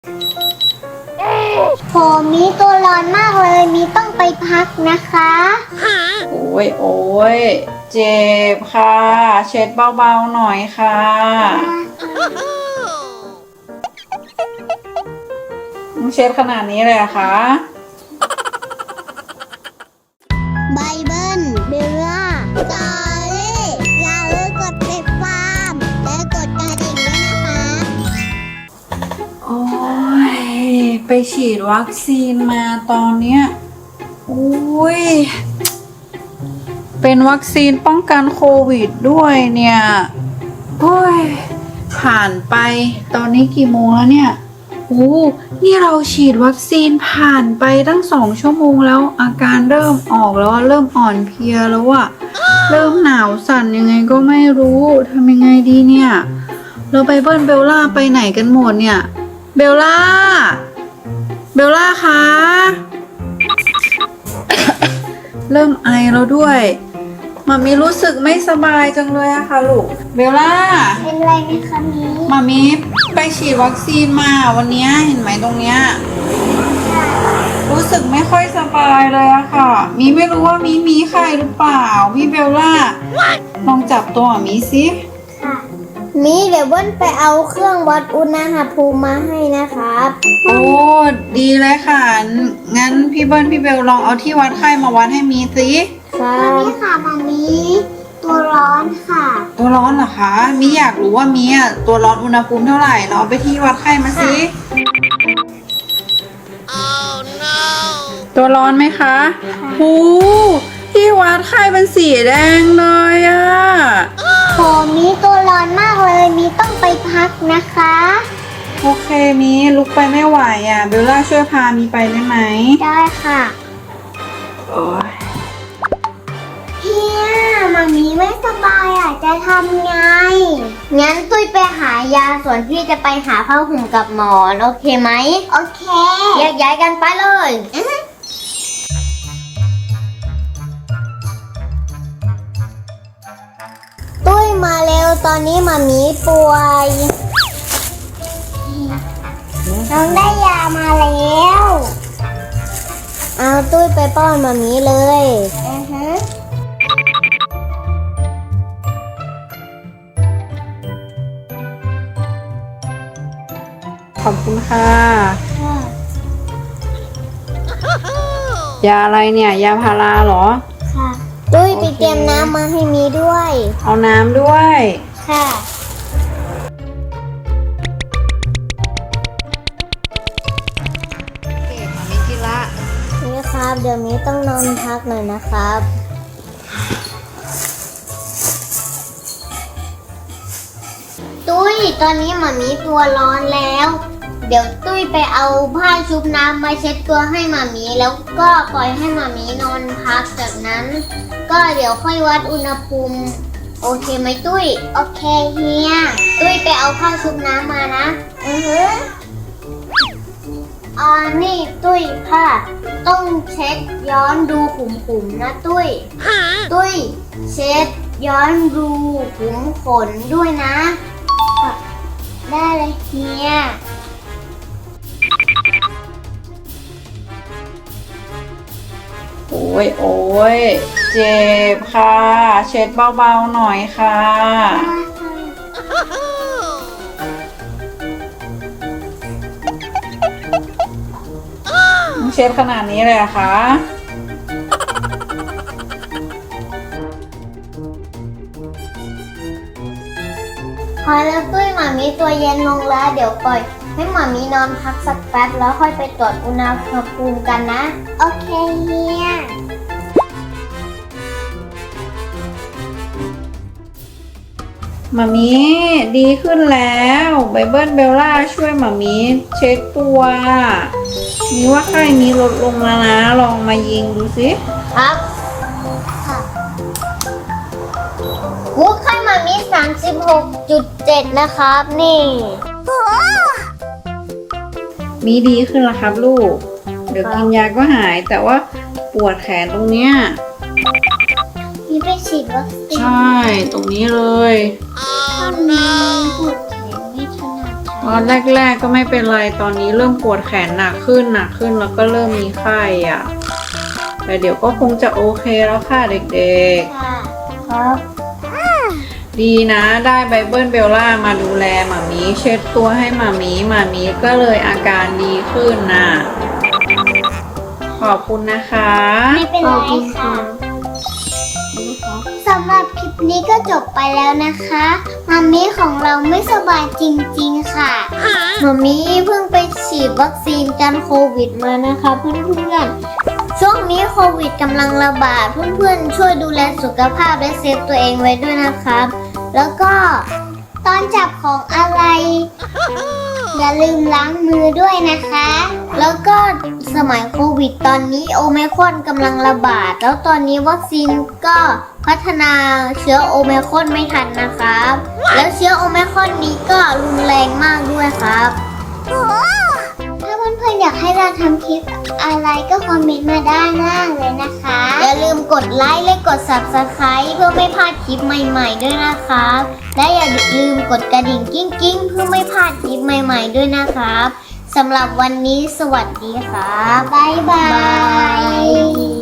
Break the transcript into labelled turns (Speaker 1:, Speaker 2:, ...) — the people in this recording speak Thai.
Speaker 1: ผมมีตัวร้อนมากเลยมีต้องไปพักนะคะ
Speaker 2: โอ้ยโอ้ยเจ็บค่ะ เช็ดเบาๆหน่อยค่ะเช็ดขนาดนี้เลยเหรอคะ
Speaker 1: ไบเบิลเบลล่าจอรี่อย่าลืมกดติดตามและกดกระดิ่งด้วยนะคะ
Speaker 2: โอ้ยไปฉีดวัคซีนมาตอนเนี้ยอุ้ยเป็นวัคซีนป้องกันโควิดด้วยเนี่ยโอ้ยผ่านไปตอนนี้กี่โมงแล้วเนี่ยนี่เราฉีดวัคซีนผ่านไปตั้ง2 ชั่วโมงแล้วอาการเริ่มออกแล้วเริ่มอ่อนเพลียแล้วอะเริ่มหนาวสั่นยังไงก็ไม่รู้ทำยังไงดีเนี่ยเราไปเบิ้ลเบลล่าไปไหนกันหมดเนี่ยเบลล่าคะ เริ่มไอแล้วด้วยมามีรู้สึกไม่สบายจังเลยอะค่ะลูกเบลล่า
Speaker 1: เป็นไรไหมคะมี
Speaker 2: มามีไปฉีดวัคซีนมาวันนี้เห็นไหมตรงเนี้ยรู้สึกไม่ค่อยสบายเลยอะค่ะมีไม่รู้ว่ามีไข้หรือเปล่าพี่เบลล่าลองจับตัวมีสิ
Speaker 1: ค่ะมีเดี๋ยวเบิ้ลไปเอาเครื่องวัดอุณหภูมิมาให้นะครับ
Speaker 2: โอ้ดีเลยค่ะงั้นพี่เบิ้ลพี่เบลลองเอาที่วัดไข้มาวัดให้มีสิ
Speaker 1: ค่ะนี่ค่ะมามีตัวร้อนค่ะ
Speaker 2: ตัวร้อนเหรอคะมีอยากรู้ว่ามีตัวร้อนอุณหภูมิเท่าไหร่เราเอาไปที่วัดไข้มาสิตัวร้อนไหมคะที่วัดไข้เป็นสีแดงเลยอะ
Speaker 1: ผมมีตัวร้อนมากเลยมีต้องไปพักนะคะ
Speaker 2: โอเคมีลุกไปไม่ไหวอะเบลล่าช่วยพามีไปได้ไหม
Speaker 1: ได้ค่ะ
Speaker 2: โอ้ย
Speaker 1: เฮียมามีไม่สบายจะทำไงงั้นตุ้ยไปหายาส่วนพี่จะไปหาผ้าห่มกับหมอนโอเคไหมโอเคแยกย้ายกันไปเลยตุ้ยมาเร็วตอนนี้มามีป่วยน้องได้ยามาแล้วเอาตุ้ยไปป้อนมามีเลย
Speaker 2: ขอบคุณค่ะยาอะไรเนี่ยยาพาราเหรอ
Speaker 1: ค่ะตุ้ยไปเตรียมน้ำมาให้มีด้วย
Speaker 2: เอาน้ำด้วย
Speaker 1: ค่ะ
Speaker 2: เก่งมามิกิละ
Speaker 1: นี่ครับเดี๋ยวนี้ต้องนอนพักหน่อยนะครับตุ้ยตอนนี้หมามีตัวร้อนแล้วเดี๋ยวตุ้ยไปเอาผ้าชุบน้ำมาเช็ดตัวให้หมามีแล้วก็ปล่อยให้หมามีนอนพักจากนั้นก็เดี๋ยวค่อยวัดอุณหภูมิโอเคไหมตุ้ยโอเคเฮียตุ้ยไปเอาผ้าชุบน้ำมานะนี่ตุ้ยผ้าต้องเช็ดย้อนดูขุมๆนะตุ้ยเช็ดย้อนดูขุมขนด้วยนะได้เลยเฮีย
Speaker 2: โอ้ยเจ็บค่ะเช็ดเบาๆหน่อยค่ะเช็ดขนาดนี้เลยเหรอคะ
Speaker 1: พอแล้วตุ้ยหมามีตัวเย็นลงแล้วเดี๋ยวปล่อยให้หมามีนอนพักสักแป๊บแล้วค่อยไปตรวจอุณหภูมิกันนะโอเคเฮีย
Speaker 2: หมามีดีขึ้นแล้วไบเบิลเบลล่าช่วยหมามีเช็ดตัวมีว่าไข้มีลดลงแล้วนะลองมายิงดูสิ
Speaker 1: ครับค่ะไข้หมามี 36.7 นะครับนี่
Speaker 2: มีดีขึ้นแล้วครับลูกเดี๋ยวกินยาก็หายแต่ว่าปวดแขนตรงเนี้ย
Speaker 1: มีไปฉีดวัคซีน
Speaker 2: ใช่ตรงนี้เลย
Speaker 1: ตอนนี้ปวดแขนไม่ถนัด
Speaker 2: อนแรกๆก็ไม่เป็นไรตอนนี้เริ่มปวดแขนหนักขึ้นแล้วก็เริ่มมีไข้อ่ะแต่เดี๋ยวก็คงจะโอเคแล้วค่ะเด็ก
Speaker 1: ค่ะครับ
Speaker 2: ๆดีนะได้ไบเบิลเบลล่ามาดูแลหมามีเช็ดตัวให้หมามีก็เลยอาการดีขึ้นน่ะขอบคุณนะคะ
Speaker 1: ไม่เป็นไรค่ะสำหรับคลิปนี้ก็จบไปแล้วนะคะมามีของเราไม่สบายจริงๆค่ะมามีเพิ่งไปฉีดวัคซีนกันโควิดมานะคะเพื่อนๆช่วงนี้โควิดกำลังระบาดเพื่อนๆช่วยดูแลสุขภาพและเซฟตัวเองไว้ด้วยนะครับแล้วก็ตอนจับของอะไร อย่าลืมล้างมือด้วยนะคะ แล้วก็สมัยโควิดตอนนี้โอไมครอนกำลังระบาด แล้วตอนนี้วัคซีนก็พัฒนาเชื้อโอไมครอนไม่ทันนะครับ แล้วเชื้อโอไมครอนนี้ก็รุนแรงมากด้วยครับ ถ้าเพื่อนๆอยากให้เราทำคลิปอะไรก็คอมเมนต์มาด้านล่างเลยนะคะ อย่าลืมกดไลค์และกด Subscribe เพื่อไม่พลาดคลิปใหม่ๆด้วยนะครับ และอย่าลืมกดกระดิ่งกิ้งๆเพื่อไม่พลาดคลิปใหม่ๆด้วยนะครับสำหรับวันนี้สวัสดีครับบ๊ายบาย